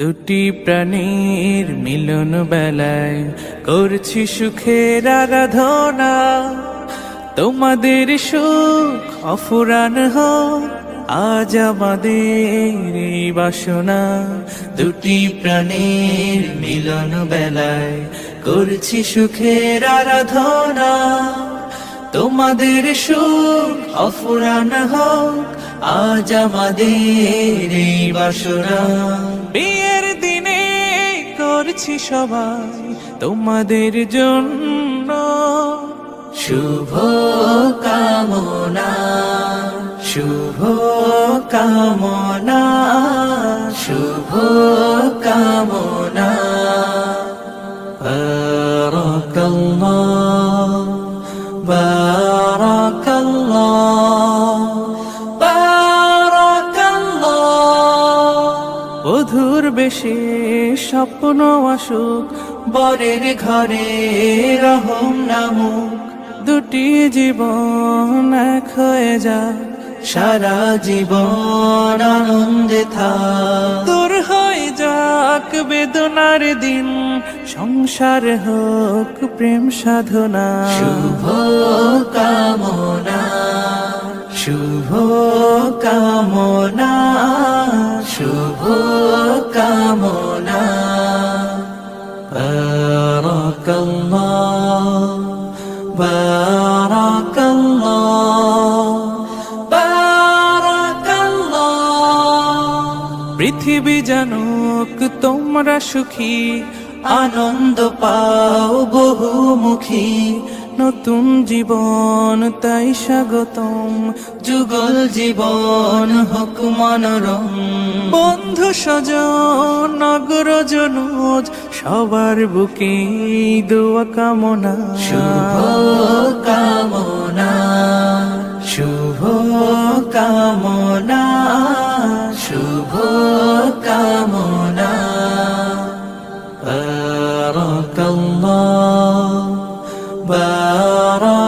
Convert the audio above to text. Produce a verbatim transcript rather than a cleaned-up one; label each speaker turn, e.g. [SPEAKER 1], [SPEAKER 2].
[SPEAKER 1] দুটি প্রাণীর মিলন বেলায় করছি সুখের আরাধনা। তোমাদের সুখ অফুরান হোক আজ আমাদের এই বাসনা। দুটি প্রাণীর মিলন বেলায় করছি সুখের আরাধনা। তোমাদের সুখ অফুরান হোক আজ আমাদের এই বাসনা। বিয়ের দিনে করছি সবাই তোমাদের জন্য শুভ কামনা, শুভ কামনা, শুভ কামনা। বারাকাল্লাহ, বারাকাল্লাহ, বারাকাল্লাহ। বধুর বেশে স্বপ্ন আসুক, বরের ঘরে রহম নামুক। দুটি জীবন এক হয়ে যাক, সারা জীবন আনন্দে থাক। দূর হয়ে যাক বেদনার দিন, সংসার হোক প্রেম সাধনা। শুভ কামনা, শুভ কামনা, শুভ কামনা। বারাকাল্লাহ, বারাকাল্লাহ, বারাকাল্লাহ। পৃথিবী জানুক তোমরা সুখী, আনন্দ পাও বহুমুখী। নতুন জীবন তাই স্বাগতম, যুগল জীবন হোক মনোরম। বন্ধু স্বজন নগরজনুজ সবার বুকে দোয়া কামনা। শুভ কামনা, শুভ কামনা, শুভ কামনা। বারাকাল্লাহ, বারাকাল্লাহ।